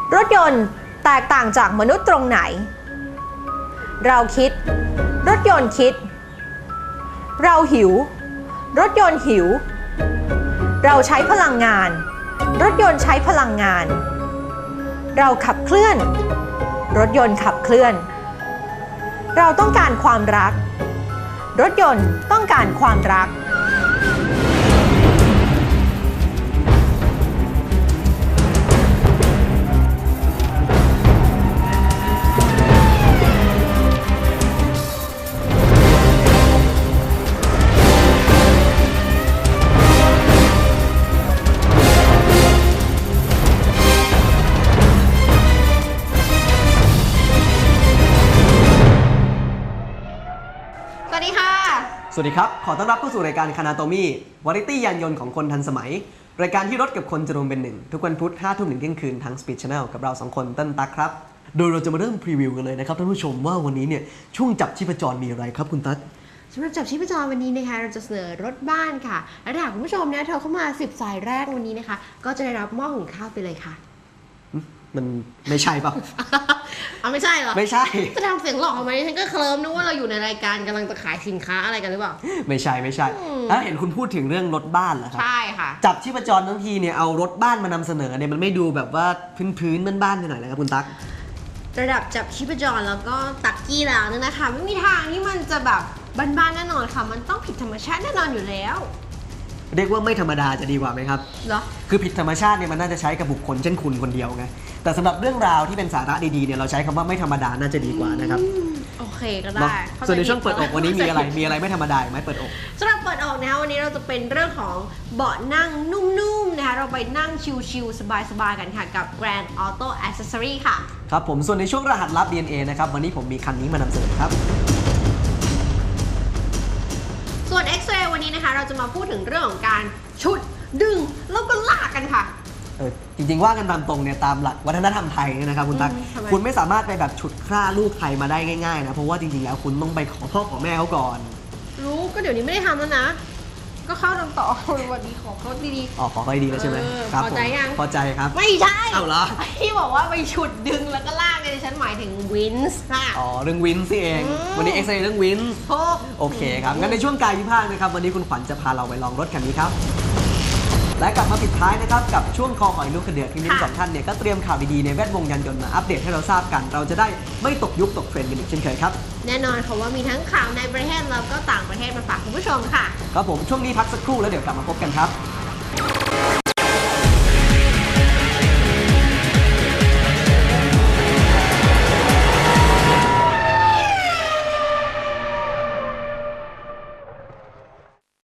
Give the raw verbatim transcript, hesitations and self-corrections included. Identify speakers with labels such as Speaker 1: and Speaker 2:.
Speaker 1: รถยนต์แตกต่างจากมนุษย์ตรงไหนเราคิดรถยนต์คิดเราหิวรถยนต์หิวเราใช้พลังงานรถยนต์ใช้พลังงานเราขับเคลื่อนรถยนต์ขับเคลื่อนเราต้องการความรักรถยนต์ต้องการความรัก
Speaker 2: สวัสดีครับขอต้อนรับเข้าสู่รายการคานาโตมี่วาไรตี้ยานยนต์ของคนทันสมัยรายการที่รถกับคนจะรวมเป็นหนึ่งทุกวันพุธห้าทุ่มถึงเที่ยงคืนทาง Speed Channel กับเราสองคนเต้นตักครับโดยเราจะมาเริ่มพรีวิวกันเลยนะครับท่านผู้ชมว่าวันนี้เนี่ยช่วงจับชีพจรมีอะไรครับคุณตั๊ก
Speaker 3: สำหรับจับชีพจรวันนี้นะคะเราจะเสนอรถบ้านค่ะและถ้าคุณผู้ชมนะโทรเข้ามาสิบสายแรกวันนี้นะคะก็จะได้รับหม้อหุงข้าวไปเลยค่ะ
Speaker 2: มันไม่ใช่ป่ะ
Speaker 3: เอาไม่ใช่เหรอ
Speaker 2: ไม่ใช่
Speaker 3: จะทำเสียงหลอกออกมาฉันก็เคลิ้มนึกว่าเราอยู่ในรายการกำลังจะขายสินค้าอะไรกันหรือเปล่า
Speaker 2: ไม่ใช่ไม่ใช่แล้วเห็นคุณพูดถึงเรื่องรถบ้านเหรอครับ
Speaker 3: ใช่ค่ะ
Speaker 2: จับชีพจรทั้งทีเนี่ยเอารถบ้านมานำเสนอเนี่ยมันไม่ดูแบบว่าพื้นๆบ้านๆหน่อยเลยครับคุณตั๊ก
Speaker 3: ระดับจับชีพจรแล้วก็ตักกี้แล้วเนี่ยนะคะไม่มีทางที่มันจะแบบบ้านๆแน่นอนค่ะมันต้องผิดธรรมชาติแน่นอนอยู่แล้ว
Speaker 2: เรียกว่าไม่ธรรมดาจะดีกว่าไหมครับ
Speaker 3: เหรอ
Speaker 2: คือผิดธรรมชาติเนี่ยมันน่าจะใช้กับบุคคลเช่นคุณคนเดียวไงแต่สำหรับเรื่องราวที่เป็นสาระดีๆเนี่ยเราใช้คำว่าไม่ธรรมดาน่าจะดีกว่านะครับ
Speaker 3: โอเคก็ได้
Speaker 2: ส่วนในช่วงเปิดอกวันนี้มีอะไรมีอะไรไม่ธรรมดาไหมเปิดอก
Speaker 3: สำหรับเปิดอกนะคะวันนี้เราจะเป็นเรื่องของเบาะนั่งนุ่มๆนะคะเราไปนั่งชิลๆสบายๆกันค่ะกับ Grand Auto Accessory ค่ะ
Speaker 2: ครับผมส่วนในช่วงรหัสลับ ดี เอ็น เอ นะครับวันนี้ผมมีคันนี้มานำเสนอครับ
Speaker 3: ส่วน X-Ray วันนี้นะคะเราจะมาพูดถึงเรื่องของการฉุดดึงแล้วก็ลากกันค่ะ
Speaker 2: เออจริงๆว่ากันตามตรงเนี่ยตามหลักวัฒนธรรมไทยนะครับคุณตั๊กคุณไม่สามารถไปแบบฉุดคร่าลูกใครมาได้ง่ายๆนะเพราะว่าจริงๆแล้วคุณต้องไปขอพ่อขอแม่เขาก่อน
Speaker 3: รู้ก็เดี๋ยวนี้ไม่ได้ทำแล้วนะก็เข้าทำต่อวันนี้ขอเขาดี
Speaker 2: ๆอ๋อขอเขาดีแล้วใช่ไหม
Speaker 3: พอใจยัง
Speaker 2: พอใจครับ
Speaker 3: ไม่ใช่
Speaker 2: เอาเหรอ
Speaker 3: ที่บอกว่าไปฉุดดึงแล้วก็ลากเนี่ยฉันหมายถึงวินส์ค่ะ
Speaker 2: อ๋อเรื่องวินส์สิเองวันนี้เอ็กซ์เรย์เรื่องวินส์โอเคครับงั้นในช่วงกายวิภาคนะครับวันนี้คุณขวัญจะพาเราไปลองรถคันนี้ครับและกลับมาปิดท้ายนะครับกับช่วงคอหอยลูกกระเดือกที่ทั้งสองท่านเนี่ยก็เตรียมข่าวดีๆในแวดวงยานยนต์มาอัปเดตให้เราทราบกันเราจะได้ไม่ตกยุคตกเทรนด์กันอีกเช่นเคยครับ
Speaker 3: แน่นอนค่ะว่ามีทั้งข่าวในประเทศแล้วก็ต่างประเทศมาฝากคุณผู้ชมค่ะ
Speaker 2: ครับผมช่วงนี้พักสักครู่แล้วเดี๋ยวกลับมาพบกันครับ